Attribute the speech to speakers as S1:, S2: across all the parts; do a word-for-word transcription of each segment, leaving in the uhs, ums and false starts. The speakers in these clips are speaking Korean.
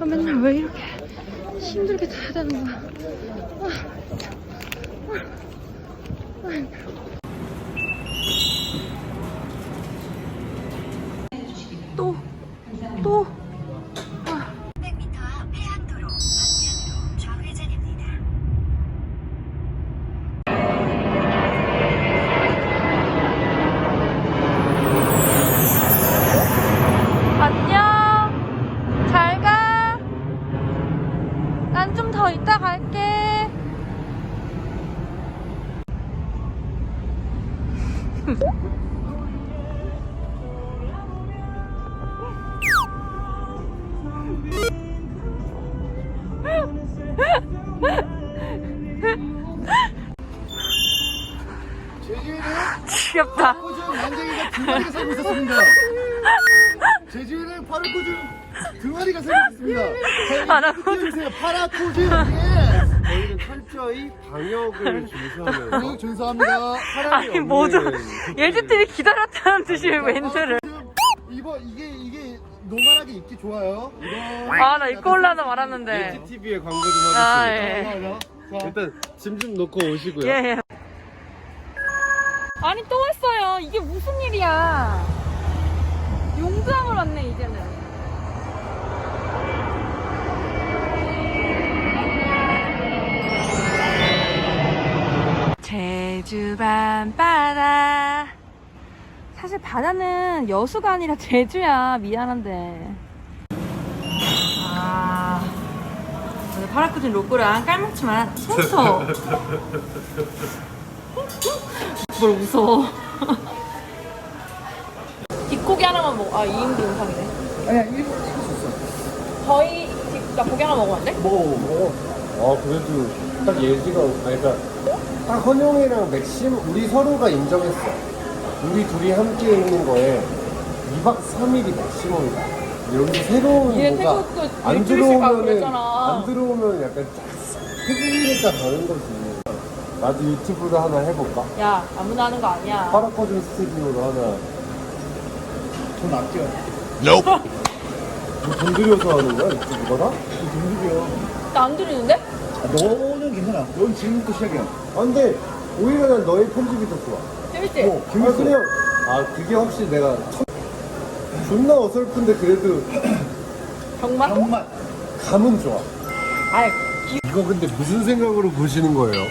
S1: 아, 맨날 왜 이렇게 힘들게 타야 되는 거야. 아, 아, 아, 힘들어. 또, 또. 아.
S2: 삼백 미터 앞 해안도로 방면으로 좌회전입니다.
S1: 안녕. 잘 가. 난 좀 더 이따 갈게.
S3: 제주에는
S1: 귀엽다.
S3: 파라코준 난쟁이가 두 마리가 살고 있었습니다. 제주에는 파라코준 두 마리가 살고 있습니다.
S1: 파라코준.
S3: 파라코준. 예.
S4: 저희는 철저히 방역을 준수하면서
S3: 방역 준수합니다.
S4: 사람이
S1: 아니 모두
S4: 없는
S1: 예지팀이 기다렸다는 듯이 멘트를.
S3: 이거 이게 이게 노멀하게 입기 좋아요. 이거.
S1: 아 나 입고 올라나 말았는데.
S4: 예지티비에 광고 좀
S1: 아
S4: 하겠습니다.
S1: 예.
S3: 자,
S4: 일단 짐 좀 놓고 오시고요.
S1: 예, 예. 아니 또 왔어요. 이게 무슨 일이야. 용두항을 왔네 이제는. 제주 밤바다. 사실 바다는 여수가 아니라 제주야. 미안한데. 아, 오늘 파라쿠진 로꼬랑 깔먹지만 손서. 뭘 웃어. 뒷고기 하나만 먹어. 아, 이 인분 이상이네.
S3: 아니야 일본 시켰었어.
S1: 저희, 뒷- 나 고기 하나 먹으면 안 돼?
S3: 먹어 먹어.
S4: 아 그래도 딱 예지가 아니 그러니까 딱 헌영이랑 맥심 우리 서로가 인정했어. 우리 둘이 함께 있는 거에 이박 삼일이 맥시멈이다. 여기서 새로운
S1: 얘
S4: 뭐가
S1: 태국도
S4: 안
S1: 일주일씩 가고
S4: 들어오면은
S1: 그랬잖아.
S4: 안 들어오면 약간 태국이니까 다른 거지. 나도 유튜브를 하나 해볼까?
S1: 야, 아무나 하는 거 아니야.
S4: 파라코준 스튜디오로 하나.
S3: 돈 아껴.
S4: 뭐 돈 들여서 하는 거야 유튜브가?
S3: 돈 들여.
S1: 나 안 들리는데?
S3: 아, 너는 괜찮아. 넌 지금부터 시작이야.
S4: 아 근데 오히려 난 너의 편집이 더 좋아.
S1: 재밌지?
S4: 어, 아 그냥 아 그게 확실히 내가 첫, 존나 어설픈데 그래도
S1: 정말?
S3: 정말.
S4: 감은 좋아.
S1: 아이,
S4: 이거 근데 무슨 생각으로 보시는 거예요?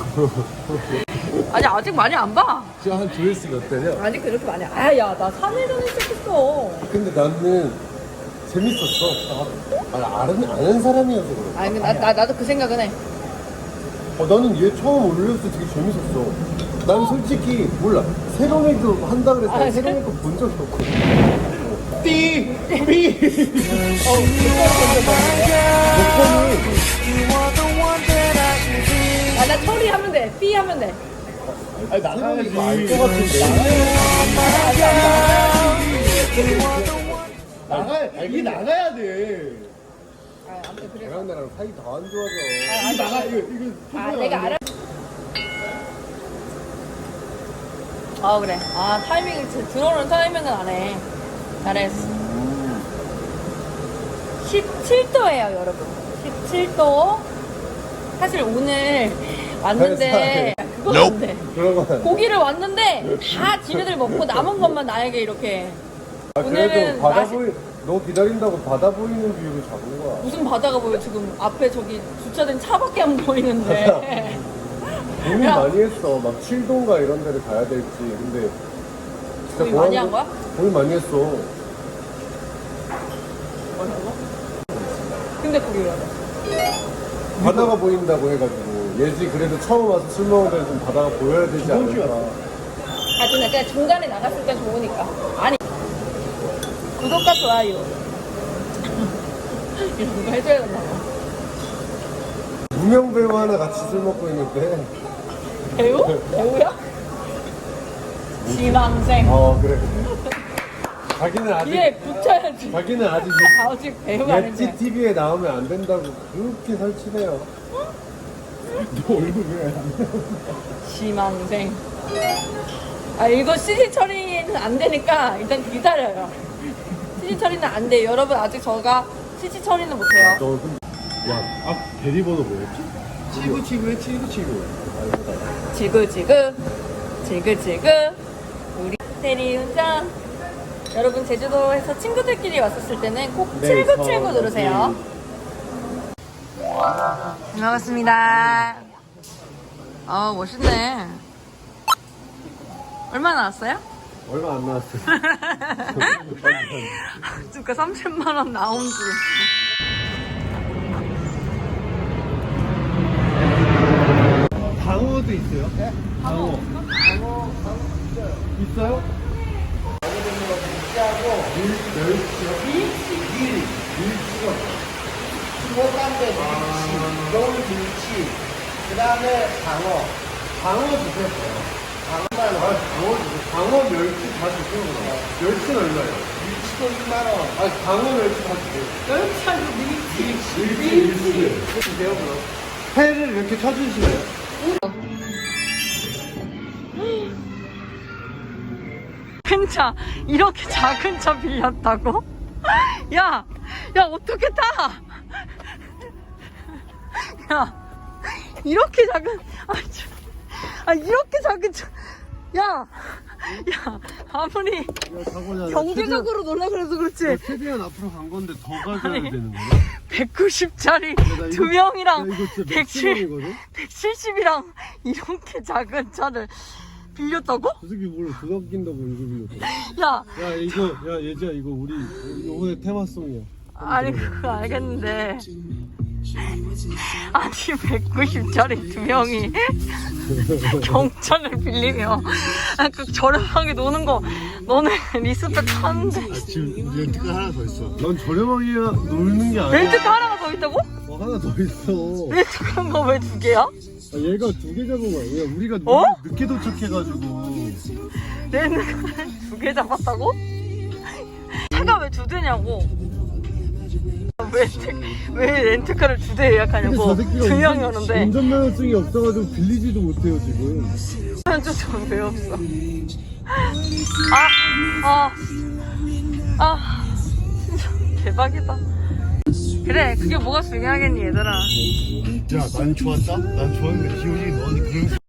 S1: 아니, 아직 많이 안 봐.
S4: 지금 한 조회수 몇 대냐?
S1: 아직 그렇게 많이 안. 아, 야, 나 삼 일 전에 시작했어.
S4: 근데 나는 재밌었어. 아, 아는, 아는 사람이어서 그래.
S1: 아니, 근데 나, 나, 나도 그 생각은 해.
S4: 어, 나는 얘 처음 올렸을 때 되게 재밌었어. 난 솔직히 몰라. 세롬이도 한다 그래서
S1: 아, 그래?
S4: 세롬이 거 본 적이 없거든. 띠! 삐! 어,
S1: 아, 나 처리하면 돼. 삐 하면 돼.
S3: 아니
S4: 세롬이
S3: 나가야지.
S4: 이거 알 것 같은데.
S3: 나가. 이게 나가야 돼.
S1: 아, 아무튼 그래.
S4: 걔랑 나랑 사이 다 안 좋아져.
S3: 이게 나가. 이거 이거.
S1: 아,
S3: 소개가
S1: 내가
S3: 안 돼.
S1: 알아. 아, 그래. 아, 타이밍, 들어오는 타이밍은 안 해. 잘했어. 십칠 도예요, 여러분. 십칠 도. 사실 오늘 왔는데, 그건 안 돼.
S4: 그런 건 안 돼.
S1: 고기를 왔는데, 다 지네들 먹고 남은 것만 나에게 이렇게.
S4: 아,
S1: 오늘은
S4: 그래도 바다
S1: 맛이-
S4: 보이, 너 기다린다고 바다 보이는 뷰로 잡은 거야.
S1: 무슨 바다가 보여, 지금. 앞에 저기 주차된 차밖에 안 보이는데.
S4: 고민
S1: 야.
S4: 많이 했어. 막 칠동가 이런 데를 가야 될지. 근데 진짜
S1: 고민 많이 한 거야?
S4: 고민 많이 했어.
S1: 뭐라고? 근데 거기 왜 왔어?
S4: 바다가 보인다고 해가지고 예지 그래도 처음 와서 술 먹으면 좀 바다가 보여야 되지
S3: 이번 주에
S4: 않을까.
S3: 왔어.
S1: 아, 근데 그냥 중간에 나갔을 때 좋으니까. 아니, 구독과 좋아요. 이런 거 해줘야 된다.
S4: 무명 배우 하나 같이 술 먹고 있는데.
S1: 배우? 배우야? 지망생.
S4: 어 그래. 자기는 아직
S1: 뒤에 붙여야지.
S4: 자기는 아직
S1: 아직 배우가
S4: 예지
S1: 아닌데.
S4: 티비에 나오면 안 된다고 그렇게 설치네요.
S3: 너 얼굴 왜?
S1: 지망생. 아, 이거 씨지 처리는 안 되니까 일단 기다려요. 씨지 처리는 안 돼요. 여러분, 아직 저가 치치 처리는 못해요.
S4: 너 근데 야, 아 대리번호 뭐였지? 칠구칠구에 칠구칠구.
S1: 지그지그 지그지그 우리 대리운전. 여러분 제주도에서 친구들끼리 왔었을 때는 꼭
S4: 네,
S1: 칠구칠구
S4: 저
S1: 누르세요. 반갑습니다. 아 멋있네. 얼마 나왔어요?
S4: 얼마 안 나왔어.
S1: 그러니까 삼천만 원 나온 줄.
S4: 방어도 있어요? 네? 방어. 방어, 방어 있어요. 있어요? 방어되는 거 밀치하고 밀, 멸치요? 밀치? 밀, 밀치요.
S3: 호감대 밀치, 겨울 밀치, 그 다음에 방어.
S4: 방어 주세요. 방어만, 아, 방어 주세요. 방어 멸치 다 주세요. 그럼. 멸치는 얼마예요?
S3: 밀치도 이만 원.
S4: 아, 방어 멸치 다 주세요.
S1: 멸치 아니고 밀치.
S4: 밀치, 밀치. 주세요, 그럼. 회를 이렇게 쳐주시나요?
S1: 큰 차, 이렇게 작은 차 빌렸다고? 야, 야, 어떻게 타? 야, 이렇게 작은, 아, 저, 아 이렇게 작은 차, 야, 야, 아무리
S4: 야, 사고잖아.
S1: 경제적으로 놀라 그래서 그렇지.
S4: 최대한 앞으로 간 건데 더 가져야
S1: 아니.
S4: 되는 거야?
S1: 백구십짜리
S4: 나 이거-
S1: 두 명이랑
S4: 야, 이거 진짜
S1: 백칠,
S4: 맥시멈이거든?
S1: 백칠십이랑 이렇게 작은 차를 빌렸다고?
S4: 저 새끼 몰라. 그거 낀다고 이거 빌렸어.
S1: 야,
S4: 야, 이거, 야, 예지야, 이거 우리 요번에 테마송이야.
S1: 아니 그거 알겠는데 아니 백구십짜리 두 명이 경차를 빌리며 아, 그 저렴하게 노는 거 너네 리스펙 하는데
S3: 아, 지금 렌트가 하나 더 있어.
S4: 넌 저렴하게 놀는 게 아니야.
S1: 렌트카 하나가 더 있다고?
S4: 어, 하나 더 있어.
S1: 렌트카가 왜 두 개야?
S4: 아, 얘가 두 개 잡은 거야. 야, 우리가
S1: 어?
S4: 늦게 도착해가지고.
S1: 렌트카를 두 개 잡았다고? 차가 왜 두 대냐고 왜, 왜 렌트카를 두 대 예약하냐고 두 명이 오는데
S4: 운전면허증이 없어가지고 빌리지도 못해요, 지금.
S1: 좀 왜 없어? 아, 아, 아, 진짜 대박이다. 그래, 그게 뭐가 중요하겠니, 얘들아.
S3: 야, 난 좋았다? 난 좋았는데 기훈이 너는 그런